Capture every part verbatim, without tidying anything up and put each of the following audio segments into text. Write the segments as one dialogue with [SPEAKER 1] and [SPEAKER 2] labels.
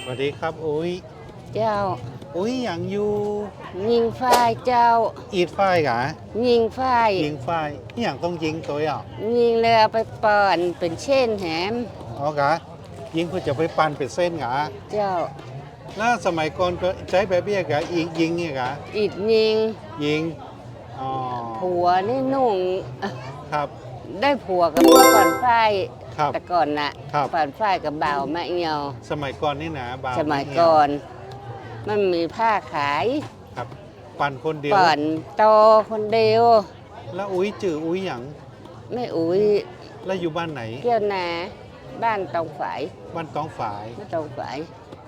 [SPEAKER 1] วัสดีครับอุ้ย
[SPEAKER 2] เจ้า
[SPEAKER 1] อุ้ยอย่างอยู่
[SPEAKER 2] ยิงฝ้ายเจ้า
[SPEAKER 1] อีดฝ้ายกะ
[SPEAKER 2] ยิงฝ้าย
[SPEAKER 1] ยิงฝ้ายอหย่างต้องยิงตัวอ่ะ
[SPEAKER 2] ยิงเลยเอาไปป่อนเป็นเช่นแหม
[SPEAKER 1] อ๋อกะยิงเพื่อจะไปปั่นเป็นเส้นกะ
[SPEAKER 2] เจ้า
[SPEAKER 1] แล้วสมัยก่อนก็ใช้แบบเบี้ยกะอีกยิงเนี่ยกะ
[SPEAKER 2] อิดยิง
[SPEAKER 1] ยิงอ๋อ
[SPEAKER 2] ผัวนี่นุ่ง
[SPEAKER 1] ครับ
[SPEAKER 2] ได้ผัวกับเมื่อป่อนฝ้าย
[SPEAKER 1] ครับ
[SPEAKER 2] แต่ก่อนน่ะป่อนฝ้ายกับบ่าวมะเอียว
[SPEAKER 1] สมัยก่อนนี่นะบ่าว
[SPEAKER 2] สมัยก่อนมันมีผ้าขาย
[SPEAKER 1] ครับปั่นคนเดียว
[SPEAKER 2] ป่อนโตคนเดียว
[SPEAKER 1] แล้วอุ้ยจื่ออุ้ยอย่าง
[SPEAKER 2] ไม่อุ้ย
[SPEAKER 1] แล้วอยู่บ้านไหน
[SPEAKER 2] เกี่ยวนาบ้านตองฝาย
[SPEAKER 1] บ้านตองฝาย
[SPEAKER 2] ไม่ตองฝาย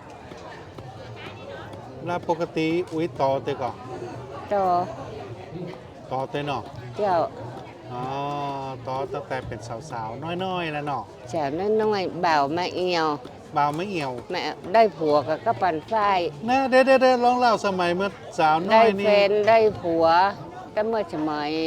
[SPEAKER 1] แล้วปกติอุ้ยต่อเตก่อน
[SPEAKER 2] โต
[SPEAKER 1] ต่อเตเนาะ
[SPEAKER 2] เจ้า
[SPEAKER 1] อ๋อต่อตั้งแต่เป็นสาวๆน้อยๆแล้วเนาะ
[SPEAKER 2] สาวน้อยๆบ่าวมะเอียว
[SPEAKER 1] บ่าวไม่เอี่ยว
[SPEAKER 2] แม่ได้ผัวกับก็ปั่นฝ้าย
[SPEAKER 1] นะเด้เด้ลองเล่าสมัยเมื่อสาวน้
[SPEAKER 2] ได้
[SPEAKER 1] อย
[SPEAKER 2] แฟ
[SPEAKER 1] นี่
[SPEAKER 2] นได้ผัวก็เมื่อสมัย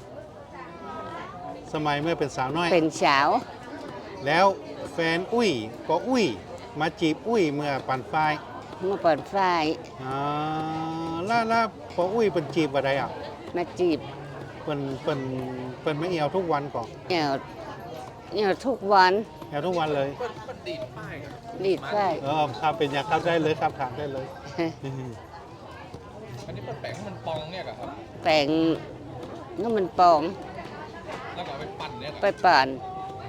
[SPEAKER 1] สมัยเมื่อเป็นสาวน้อย
[SPEAKER 2] เป็นสาว
[SPEAKER 1] แล้วแฟนอุ้ยก็อุ้ยมาจีบอุ้ยเมื่อปั่นไฟ
[SPEAKER 2] เมื่อปั่นฝ้าย
[SPEAKER 1] อ่าล่าล่าพออุ้ยเป็นจีบอะไรอ่ะ
[SPEAKER 2] มาจีบ
[SPEAKER 1] เป็นเป็นเป็นไม่เอี่ยวทุกวันก่อน
[SPEAKER 2] เหี่ยวเหี่ยวทุกวัน
[SPEAKER 1] เอี่ยวทุกวันเลย
[SPEAKER 2] ดีดฝ้าย
[SPEAKER 1] เออครับเป็นอยากเข้าได้เลยครับถามได้เลย
[SPEAKER 3] อันนี้เป็นแป้งมันปองเนี่ยครับ
[SPEAKER 2] แป้งนั่นมันปอง
[SPEAKER 3] แล้วก็ไปปั่นเนี่ย
[SPEAKER 2] ไปปั่น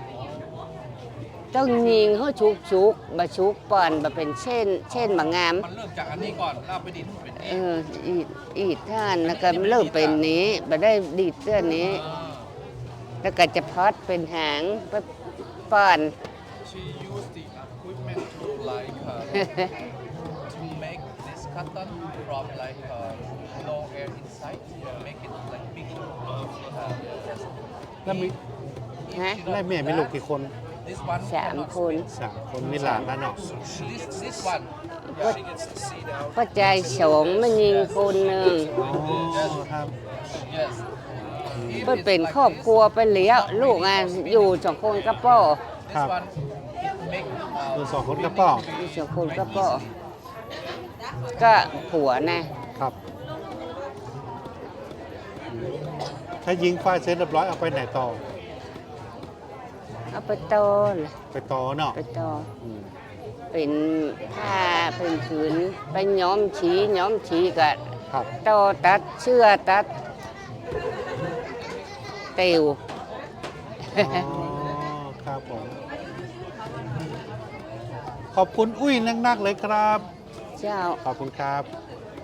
[SPEAKER 2] ต้องยิงเขาชุกชุกบะชุกปั่นบะเป็นเช่นเช่นบะงาม
[SPEAKER 3] มันเริ่มจากอันนี้ก่อนลาบไปดินเป็น
[SPEAKER 2] เอออีดอีดท่านแล้วก็เริ่มเป็นนี้บะได้ดีดเสื้อนี้แล้วก็จะพอดเป็นหางไปปั่น
[SPEAKER 3] She used the equipment to like uh, to make this cotton from like uh, no air inside to make it like big. Uh,
[SPEAKER 1] แล้วมีแล้วแม่มีลูกกี่คน
[SPEAKER 3] This one
[SPEAKER 2] สามคน
[SPEAKER 1] สามคนมีหลานแล้วเนาะ
[SPEAKER 3] This this one she gets to see now.
[SPEAKER 2] ก็ใจสองมันยิงคนหนึ่ง
[SPEAKER 1] อ๋อครับ
[SPEAKER 3] Yes.
[SPEAKER 2] ก็เป็นครอบครัวไปเลี้ยงลูกอ่ะอยู่สองคนกับพ่อ
[SPEAKER 3] This one it make
[SPEAKER 1] คือ
[SPEAKER 3] uh,
[SPEAKER 1] สองคนกับพ่อ
[SPEAKER 2] อยู่สองคนกับพ่อก็ผัวนะครับ
[SPEAKER 1] ถ้ายิงไฟเสร็จเรียบร้อยเอาไปไหนต่อ
[SPEAKER 2] เอาไปโตเลย
[SPEAKER 1] ไปต่อเนาะ
[SPEAKER 2] ไปโต
[SPEAKER 1] อืม
[SPEAKER 2] เป็นผ้าเป็นผืนไปย้อมฉีย้อมฉีกับ
[SPEAKER 1] ครับ
[SPEAKER 2] โตตัดเชือตัดเตียว
[SPEAKER 1] อ๋อครับผมขอบคุณอุ้ยนักๆเลยครับ
[SPEAKER 2] เจ้า
[SPEAKER 1] ขอบคุณครับ